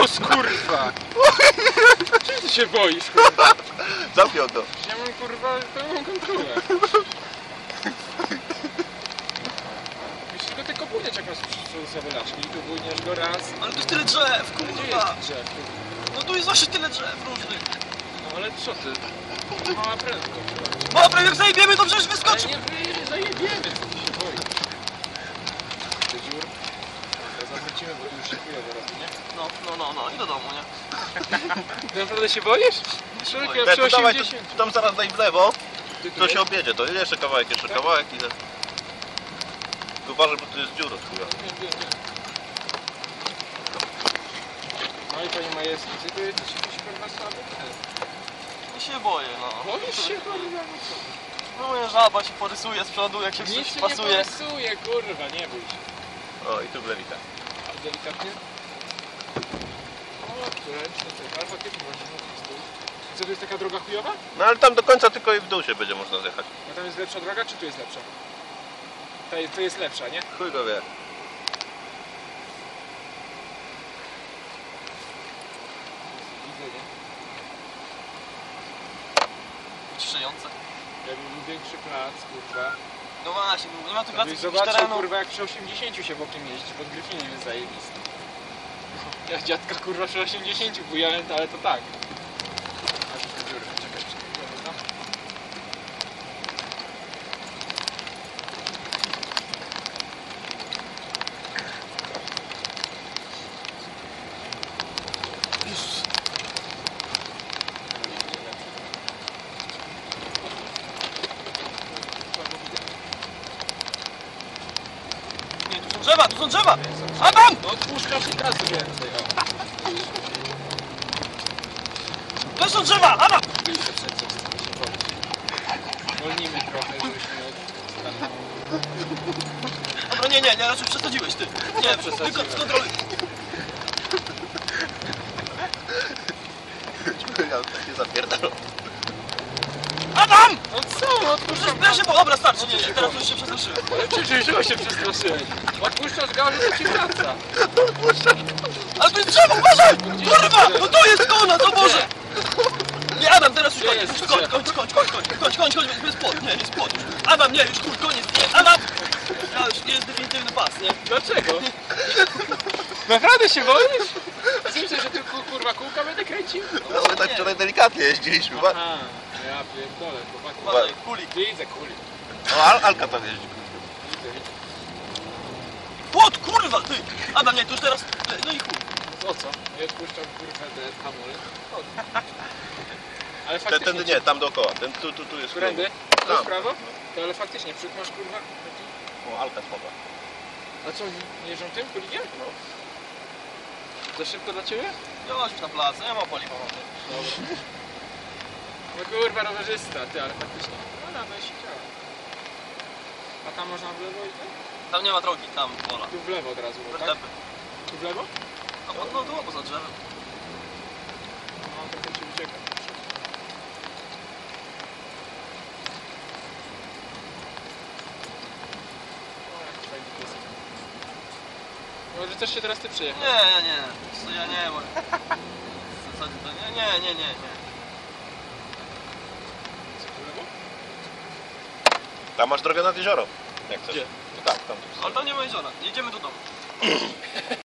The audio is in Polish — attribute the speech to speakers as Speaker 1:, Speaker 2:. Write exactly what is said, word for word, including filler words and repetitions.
Speaker 1: Luz, kurwa! Czym ty się boisz, kurwa?
Speaker 2: Zamknij to.
Speaker 1: Ja mam, kurwa, pełną kontrolę. Wiesz, tylko ty kopujesz jak masz zawolaczki i tu bujniesz go raz.
Speaker 3: Ale tu jest tyle drzew,
Speaker 1: Gdzie jest
Speaker 3: kurwa!
Speaker 1: drzew, kurwa?
Speaker 3: No tu jest właśnie tyle drzew różnych.
Speaker 1: No ale co ty? Mała prędkość.
Speaker 3: Bo prawie jak zajebiemy, to przecież
Speaker 1: Ale
Speaker 3: wyskoczy!
Speaker 1: nie wy- zajebiemy, co ty się boisz? Ty dziur? Teraz zawrócimy, bo tu już się chujowo robi, nie?
Speaker 3: No, no, no, no i do domu, nie?
Speaker 1: Ty naprawdę się boisz? Człowiek, ja
Speaker 2: Te,
Speaker 1: przy
Speaker 2: to dawaj, tu,
Speaker 1: osiemdziesięciu.
Speaker 2: tam zaraz daj w lewo,
Speaker 1: Ty tu
Speaker 2: to się
Speaker 1: jest?
Speaker 2: objedzie, to jeszcze kawałek, jeszcze
Speaker 1: Tak?
Speaker 2: kawałek i... Tu uważaj, bo tu jest dziura chuja.
Speaker 1: Nie, nie, nie. No i panie majestnie, ty tu jesteś jakiś kurwa słaby?
Speaker 3: Nie się boję, no.
Speaker 1: Boisz się kurwa?
Speaker 3: No moja żaba się porysuje z przodu, jak się
Speaker 1: Nic
Speaker 3: coś
Speaker 1: się nie
Speaker 3: pasuje.
Speaker 1: porysuje, kurwa, nie bój się.
Speaker 2: O, i tu blewita.
Speaker 1: A delikatnie? O, ręczny ty, ale faktycznie właśnie z tyłu. Co, to jest taka droga chujowa?
Speaker 2: No ale tam do końca tylko i w dół się będzie można zjechać.
Speaker 1: A tam jest lepsza droga, czy tu jest lepsza? Ta, to jest lepsza, nie?
Speaker 2: Chuj go wie.
Speaker 1: Widzę, nie?
Speaker 3: Ciszające.
Speaker 1: Jakby był większy plac, kurwa.
Speaker 3: No właśnie, nie ma tu
Speaker 1: To
Speaker 3: pracy
Speaker 1: byś
Speaker 3: jakiegoś
Speaker 1: zobaczył,
Speaker 3: terenu.
Speaker 1: kurwa, jak przy osiemdziesięciu się bokiem jeździ, pod Gryfinem jest zajebisty. Ja dziadka, kurwa, przy osiemdziesięciu bujałem, to ale to tak. Aż tu dziurę, czekaj, czekaj, dobra.
Speaker 3: Jezus. Nie, tu są drzewa, tu są drzewa! Adam!
Speaker 1: No odpuszczasz i razu więcej, o.
Speaker 3: To są drzewa! Adam!
Speaker 1: Wyjście przed co się boisz. Wolnijmy trochę, żebyśmy stanęli.
Speaker 3: Dobra, nie, nie, nie, raczej przesadziłeś, ty. Nie,
Speaker 1: przesadziłem.
Speaker 3: tylko skontroluj.
Speaker 2: Ja się zapierdolę.
Speaker 3: Adam!
Speaker 1: No co, no odpuszczam
Speaker 3: Ja się, bo dobra, starczy, nie, nie, teraz już się przestraszyłem.
Speaker 1: Czy się przestraszyłeś? Odpuszczasz gałę, to ci wraca.
Speaker 3: Ale to jest drzewo, uważaj! Kurwa! No to jest kona, to Boże! Nie, Adam, teraz już
Speaker 1: Gdzie
Speaker 3: koniec,
Speaker 1: jest
Speaker 3: już kończ, kończ, kończ, kończ, kończ, kończ, kończ, kończ, jest płot, nie, jest płot. Adam, nie, już chuj, koniec, nie, Adam! Ja już nie jest definitywny pas, nie?
Speaker 1: Dlaczego? Naprawdę się boisz? Myślę, że tu ku- kurwa kółka będę kręcił?
Speaker 2: No my tak wczoraj delikatnie jeździliśmy. Ba-
Speaker 1: Aha, ja pierdolę, chłopaki.
Speaker 3: Uważaj, kulik.
Speaker 1: Widzę kuli.
Speaker 2: O, Al Alka tam jeździ.
Speaker 1: Widzę, widzę.
Speaker 3: Płot, kurwa, ty! Adam, nie, to już teraz, no i chuj.
Speaker 1: O co? Ja odpuszczam kurwa te hamury. Ale
Speaker 2: Ten,
Speaker 1: faktycznie...
Speaker 2: ten nie, tam dookoła. Ten tu, tu, tu jest.
Speaker 1: Którędy? Tu
Speaker 2: Tam.
Speaker 1: w prawo? To ale faktycznie, przód masz kurwa taki...
Speaker 2: O, Alka słaba.
Speaker 1: A co, nie jeżdżą tym kulikiem?
Speaker 2: No.
Speaker 1: Za szybko dla ciebie?
Speaker 3: Ja masz już na plac, ja mam paliwa.
Speaker 1: Dobra. No kurwa rowerzysta, ty, ale faktycznie. No na się działa. A tam można w lewo i tak?
Speaker 3: Tam nie ma drogi, tam pola.
Speaker 1: Tu w lewo od razu, no, tak?
Speaker 3: Wertepy.
Speaker 1: Tu w lewo?
Speaker 3: No, no, no, tu poza drzewem.
Speaker 1: No, trochę ci ucieka. O, jaki fajny piesek. Może też się teraz ty przyjechał?
Speaker 3: Nie, nie, nie. Co ja nie, bo... W zasadzie to nie, nie, nie, nie, nie.
Speaker 1: Co, tu w lewo?
Speaker 2: Tam masz drogę nad jezioro. Jak chcesz.
Speaker 1: Gdzie?
Speaker 2: No tak, tam.
Speaker 3: Ale tam nie ma jeziora, jedziemy do domu.